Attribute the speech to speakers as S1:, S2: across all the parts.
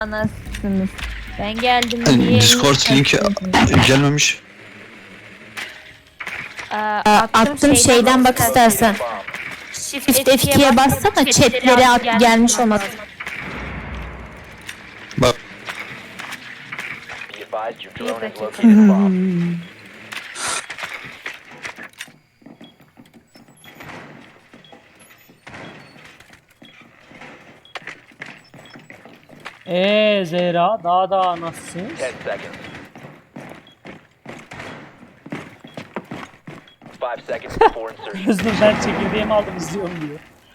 S1: Anasınız. Ben geldim diye.
S2: Discord linki gelmemiş.
S1: Attım şeyden bak istersen. Shift F2'ye bassana chatleri gelmiş olmaz.
S2: Bak.
S1: Bir dakika.
S3: Zehra daha nasılsın?
S4: 10 seconds. 5 seconds before insertion.
S3: Özgür ben çekirdeğimi aldım izliyorum diyor.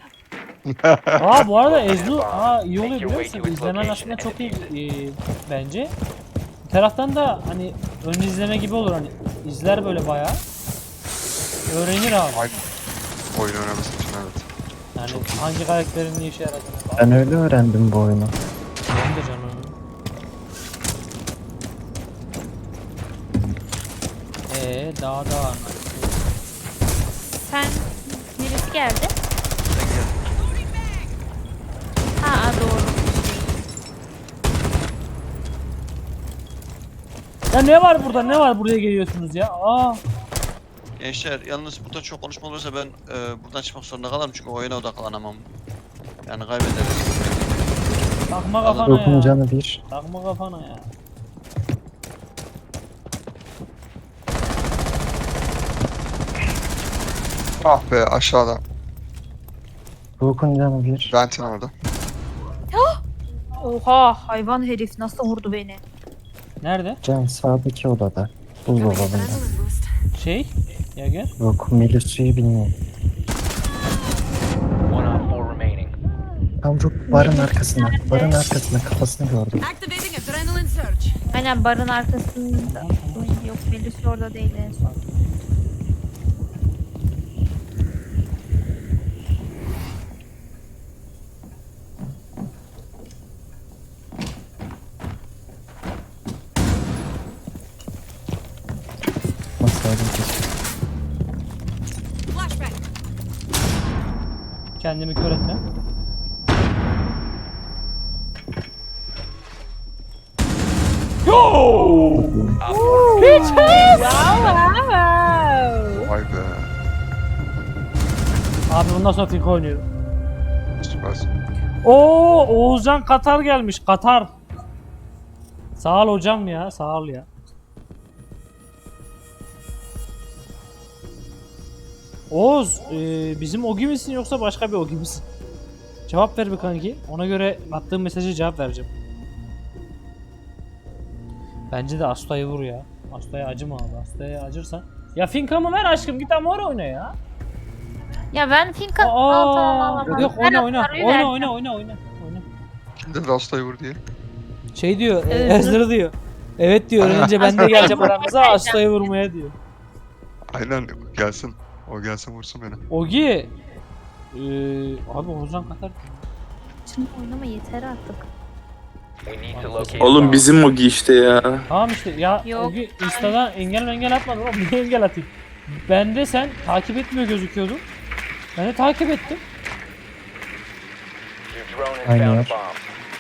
S3: Bu arada Ezlu iyi oluyor biliyor musun? İzlemen aslında çok iyi bence. Bir taraftan da hani ön izleme gibi olur hani izler böyle bayağı. Öğrenir abi.
S5: Oyun oynaması için evet.
S3: Yani hangi karakterin ne işe yaradığını.
S6: Ben öyle öğrendim bu oyunu.
S3: Benim de canım. Daha
S1: Sen birisi geldi. Doğru.
S3: Ya ne var burada? Ne var buraya geliyorsunuz ya?
S2: Gençler yalnız burada çok konuşma olursa ben buradan çıkmak zorunda kalırım çünkü oyuna odaklanamam. Yani kaybederiz.
S3: Takma kafana
S6: Ruhun
S3: ya.
S6: canı bir.
S3: Takma kafana ya.
S5: Ah be aşağıda.
S6: Ruhun canı bir.
S5: Ventin orada.
S1: Oha hayvan herif nasıl vurdu beni.
S3: Nerede?
S6: Can sağdaki odada. Buzdolabında.
S3: Ya gel.
S6: Ruh Melisa'yı bilmiyorum.
S4: 1 on 4 remaining.
S6: Tam Ruh barın arkasında. Barın arkasında kafasını gördüm.
S7: Activating adrenaline surge.
S1: Aynen barın arkasında. Yok Melis orada değil en son.
S6: Nasıl aldım kesin.
S7: Flashback.
S3: Kendimi kör etme.
S5: Vay be.
S3: Abi bundan sonra FIFA oynuyorum.
S5: Süpersin.
S3: Oğuzcan Katar gelmiş. Katar. Sağ ol hocam ya. Sağ ol ya. Oğuz, bizim Ogi misin yoksa başka bir Ogi misin? Cevap ver bir kanki. Ona göre attığım mesajı cevap vereceğim. Bence de Asta'yı vur ya. Asta'ya acıma abi. Asta'ya acırsan. Ya Finkam'ı ver aşkım. Git ama oraya oyna ya.
S1: Ya ben Finka... tamam.
S3: Yok
S1: Ben
S3: oyna.
S1: Atar'ı verdim.
S3: Oyna.
S5: Kim dedi hastayı vur diye.
S3: Şey diyor,
S1: Evet.
S3: Ezra diyor. Evet diyor, önce ben de geleceğim aramıza Asta'yı vurmaya diyor.
S5: Aynen gelsin. O gelsin vursun beni.
S3: Ogi. Abi Ozan Katar.
S1: Şimdi oynama yeter artık.
S4: We need to locate
S8: Oğlum
S4: bomb.
S8: bizim Ogi işte ya.
S3: Tamam işte ya
S1: Yok.
S3: Ogi Insta'dan engel atmadın oğlum. Niye engel atayım? Ben de sen takip etmiyor gözüküyordun. Ben de takip ettim.
S4: Your drone has
S6: Aynen.
S4: found a bomb.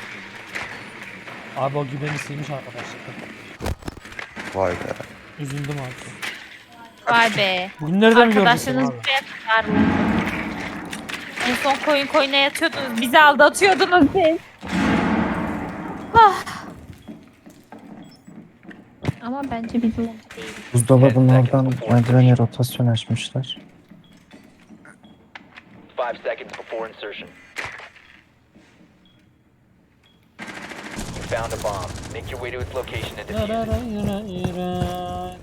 S3: Abi Ogi beni silmiş arkadaşlar.
S5: Vay be.
S3: Üzüldüm abi.
S1: Vay be.
S3: Bugün nereden mi gördün seni
S1: Arkadaşlarınız
S3: abi?
S1: buraya kadar mı? En son koyuna yatıyordunuz. Bizi aldatıyordunuz siz. Ah. Ama bence bizim değil.
S6: Buzdolabının oradan merdivene rotasyon açmışlar.
S4: 5 seconds before insertion. You found a bomb. Make your way to its location and defuse it.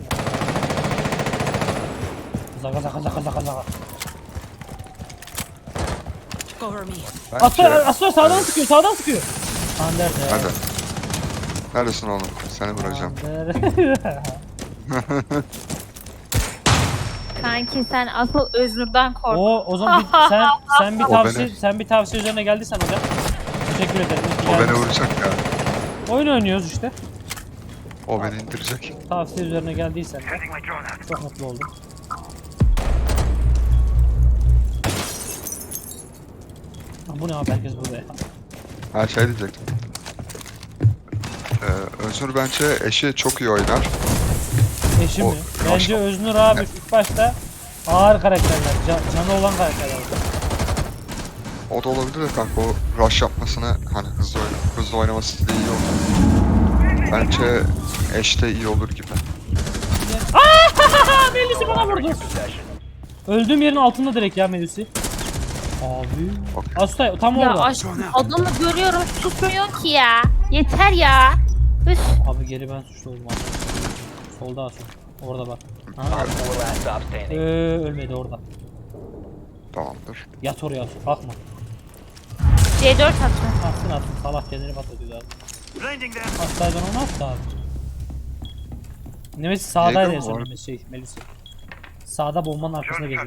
S3: Zaka.
S7: Cover me.
S3: Asla sağdan sıkıyor. Ander de.
S5: Hadi. Neredesin oğlum? Seni vuracağım.
S1: Kanki sen asıl Öznur'dan kork.
S3: O zaman sen bir
S5: O
S3: tavsiye
S5: beni-
S3: sen bir tavsiye üzerine geldiysen hocam. Teşekkür ederim. İyi ki
S5: O beni
S3: geldin.
S5: vuracak ya.
S3: Oyun oynuyoruz işte.
S5: O beni indirecek.
S3: Tavsiye üzerine geldiysen de çok mutlu oldum. Bu ne abi herkes burada ya.
S5: Her şey diyecektim. Özgür bence eşi çok iyi oynar.
S3: Eşi
S5: O-
S3: mi? Bence Öznur abi ilk başta ağır karakterler, canı olan karakterler.
S5: O da olabilir de kanka, o rush yapmasını hani hızlı oynaması da iyi olur. Bence eş de iyi olur gibi.
S3: Melis'i bana vurdu. Öldüğüm yerin altında direkt ya Melis'i. Abi. Aslı tam
S1: Ya
S3: orada.
S1: adamı görüyorum susmuyor ki ya. Yeter ya. Üf.
S3: Abi geri ben suçlu oldum abi. Solda Asu. Orada bak. Ha.
S4: Op 4 last stop standing.
S3: Ölmedi orada.
S5: Tamamdır.
S3: Yat oraya Asu. Kalkma.
S1: C4 attı.
S3: Atsın. Salak kendini patlatıyor abi. Hastaydan onu attı abi. Nemesi sağdaydı en
S5: Neydi o
S3: son
S5: arada?
S3: Melis'i. Sağda bombanın arkasında geziyor.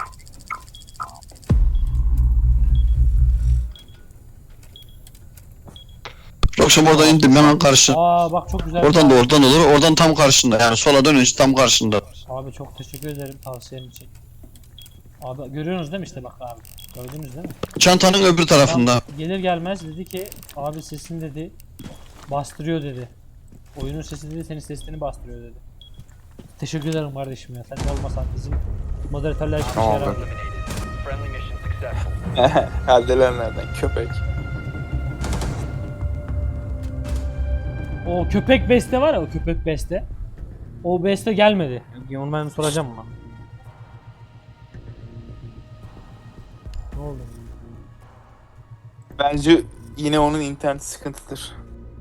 S2: Akşam oradan indim hemen karşı.
S3: Aa bak çok güzel.
S2: Oradan da oradan olur. Oradan tam karşında. Yani sola dönünce tam karşında.
S3: Abi çok teşekkür ederim tavsiyen için. Abi görüyorsunuz değil mi işte bak abi. Gördünüz değil mi?
S2: Çantanın öbür tarafında.
S3: Gelir gelmez dedi ki abi sesin dedi bastırıyor dedi. Oyunun sesi dedi senin sesini bastırıyor dedi. Teşekkür ederim kardeşim ya. Sen olmasan bizim moderatörler hiçbir şey
S5: Tamam,
S3: yaramıyor.
S4: Eliminated. Friendly mission successful.
S8: Eldelenlerden köpek.
S3: O köpek beste var ya o köpek beste. O beste gelmedi. Onu ben soracağım ona. Ne oldu?
S8: Bence yine onun internet sıkıntıdır.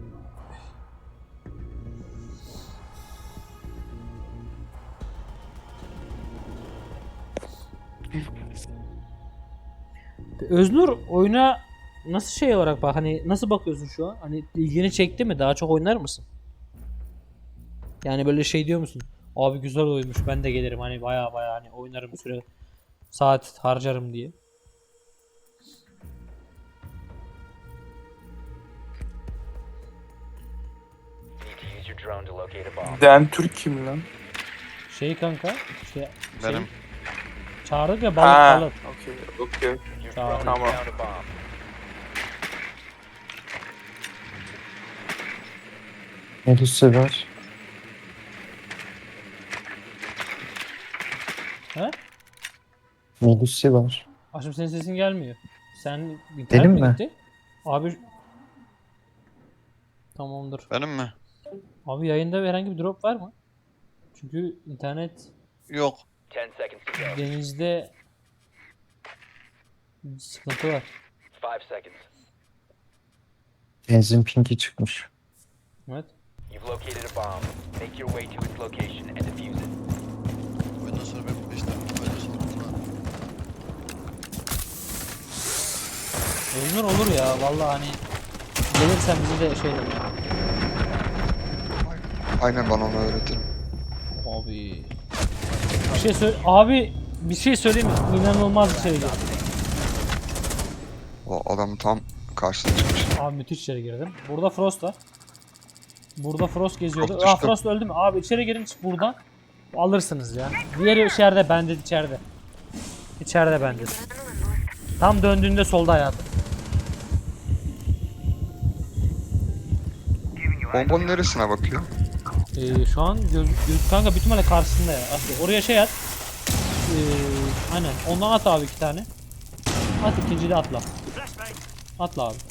S3: Öznur oyuna nasıl şey olarak bak hani nasıl bakıyorsun şu an? Hani ilgini çekti mi? Daha çok oynar mısın? Yani böyle şey diyor musun? Abi güzel oyunmuş ben de gelirim hani baya baya hani oynarım süre saat harcarım diye.
S4: Need to use your drone to locate a bomb.
S8: Den Türk kim lan?
S3: Şey kanka şey,
S2: Benim.
S3: çağırdık ya
S8: Ha,
S3: balık.
S8: okey.
S4: Your drone has
S8: Tamam.
S4: found a bomb.
S6: Melis'i var.
S3: He?
S6: Melis'i var.
S3: Aşkım senin sesin gelmiyor. Sen internet
S6: Benim
S3: mi
S6: mi?
S3: gitti? Abi tamamdır.
S2: Benim mi?
S3: Abi yayında herhangi bir drop var mı? Çünkü internet
S2: Yok.
S4: 10 seconds to go.
S3: denizde sıkıntı var.
S4: 5 seconds.
S6: Benzin pinki çıkmış.
S3: Evet.
S4: You've located a bomb. Make your way to its location and defuse it.
S2: Ondan sonra ben 5 dakika böyle sonra.
S3: Ömür olur ya vallahi hani gelirsen bize de şey de
S5: Aynen, bana onu öğretirim.
S3: abi bir şey söyle abi bir şey söyleyeyim mi? İnanılmaz bir şey geldi.
S5: O adam tam karşısına çıkmış.
S3: Abi müthiş içeri girdim. Burada Frost var. Burada Frost geziyordu.
S5: Frost
S3: Aa
S5: düştü.
S3: Frost öldü mü? Abi içeri girin çık buradan. Alırsınız ya. Diğeri içeride bende içeride. İçeride bende. Tam döndüğünde solda hayatım.
S5: Bombanın neresine bakıyor?
S3: Şu an kanka büyük ihtimalle karşısında ya. Aslı. Oraya şey at. Aynen. Ondan at abi 2 tane. At ikinciyi de atla. Atla abi.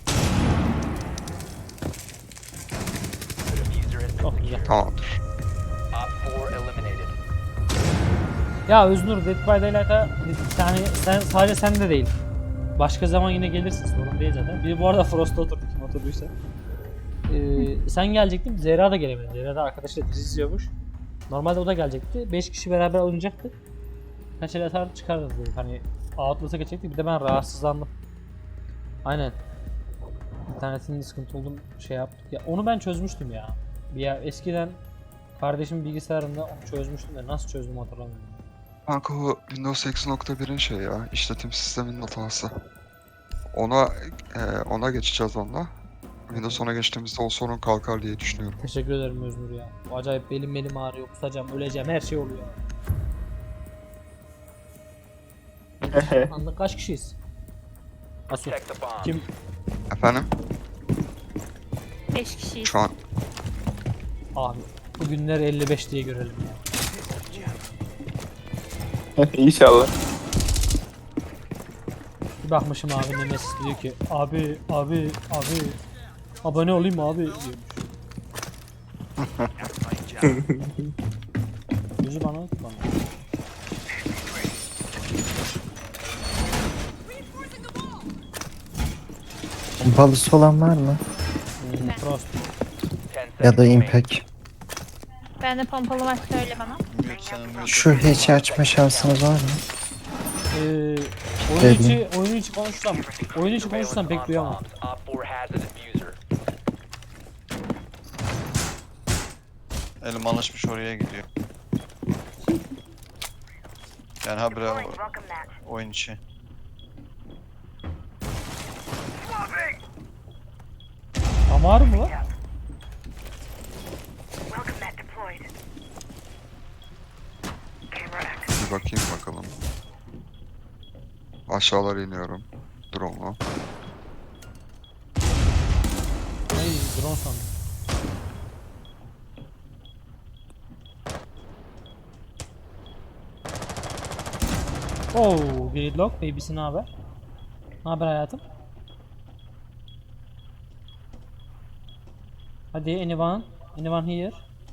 S4: The diffuser has been
S3: Çok güzel.
S5: Tamamdır.
S4: Op 4 eliminated.
S3: Ya Öznur Dead by Daylight'a yani sen sadece sen de değil. Başka zaman yine gelirsin sorun değil zaten. Bir bu arada Frost'ta oturdu kim oturduysa. Sen gelecektin Zehra da gelemedi. Zehra da arkadaşıyla dizi izliyormuş. Normalde o da gelecekti. 5 kişi beraber oynayacaktık. Kaç el atar çıkarırız dedik. Hani Outlast'a geçecektik bir de ben rahatsızlandım. Aynen. İnternetinin sıkıntı olduğunu şey yaptık. Ya onu ben çözmüştüm ya. Eskiden kardeşimin bilgisayarında onu çözmüştüm de nasıl çözdüm hatırlamıyorum.
S5: Kanka o Windows 8.1'in şey ya, işletim sisteminin hatası. Ona geçeceğiz onunla. Windows 10'a geçtiğimizde o sorun kalkar diye düşünüyorum.
S3: Teşekkür ederim Öznur ya. Bu acayip belim ağrıyor, kusacağım, öleceğim, her şey oluyor. Anlık kaç kişiyiz? Asu.
S4: Protect the bomb.
S3: Kim?
S5: Efendim?
S1: 5 kişiyiz.
S5: Şu an
S3: Abi bugünleri 55 diye görelim ya.
S8: İnşallah.
S3: Bir bakmışım abi Nemesis diyor ki abi abone olayım mı abi diyormuş. Yüzü bana.
S6: Pompalısı olan var mı?
S3: Frost.
S4: 10
S6: Ya da
S4: seconds
S6: impact.
S1: Ben de pompalı var söyle bana.
S2: Mute sana mute.
S6: Şu hatch'i açma şansınız var mı?
S3: Oyun içi konuşsam pek duyamam.
S4: bombs. Op 4 has a diffuser.
S2: Elim alışmış oraya gidiyor. Yani habire oyun içi.
S3: Damar mı var?
S5: Bir bakayım bakalım. Aşağılara iniyorum. Drone'u.
S3: Ay drone sandım. Oh, Gridlock, baby'si ne haber? Ne haber hayatım? Hadi anyone here?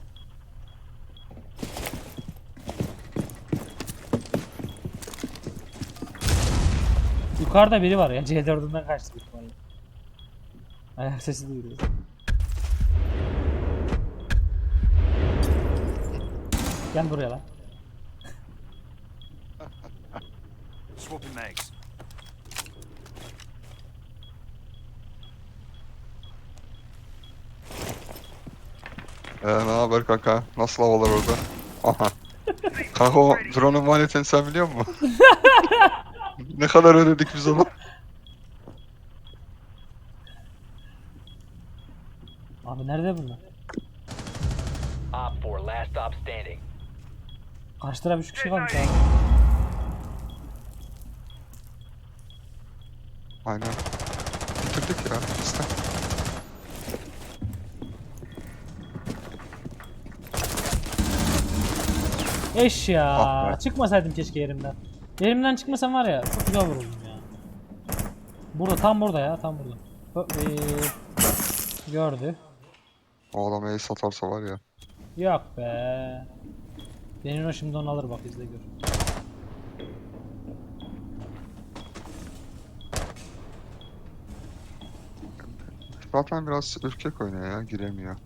S3: Yukarıda biri var ya, C4'ünden kaçtı büyük ihtimalle. Ayak sesi duyuyoruz. Gel buraya lan.
S5: Ne haber kanka? Nasıl havalar orada? Aha. Kanka o drone'un maliyetini sen biliyor musun? Ne kadar ödedik biz ona?
S3: Abi nerede bunlar?
S4: Op 4 last stop standing.
S3: Karşı taraf 3 kişi varmış abi.
S5: Aynen. Bitirdik ya. İşte.
S3: Eş ya.
S5: Ah be.
S3: Çıkmasaydım keşke yerimden. Yerimden çıkmasam var ya çok güzel vururdum ya. Burada tam burada ya tam burada. Gördü.
S5: O adam ace atarsa var ya.
S3: Yok be. Benim o şimdi onu alır bak izle gör.
S5: Zaten biraz ürkek oynuyor ya. Giremiyor.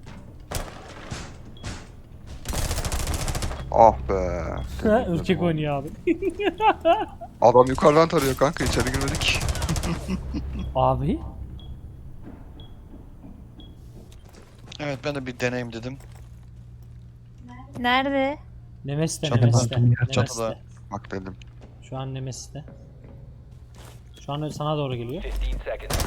S5: Ah be.
S3: Ürkek oynuyor abi.
S5: Adam yukarıdan tarıyor kanka. İçeri girmedik.
S3: Abi.
S2: Evet ben de bir deneyim dedim.
S1: Nerede?
S3: Nemesis'te
S2: Çatıda.
S3: Nemesis'te.
S2: Çatıda.
S5: Bak dedim.
S3: Şu an Nemesis'te. Şu an sana doğru geliyor.
S4: 15 seconds.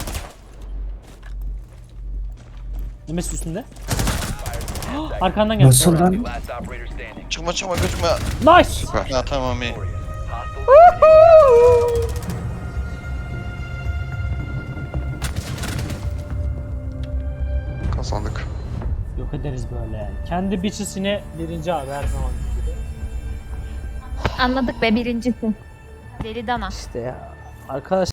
S3: Nemesis üstünde. Arkandan geldi.
S6: Nasıl lan?
S4: Last operator standing.
S2: Çıkma gözükme.
S3: Nice.
S5: Süper.
S2: Ha tamam iyi.
S4: Hostile
S5: Kazandık.
S3: Yok ederiz böyle. Kendi bitchesine birinci abi her zaman gibi.
S1: Anladık be birincisin. Deli dana.
S3: İşte ya. Arkadaş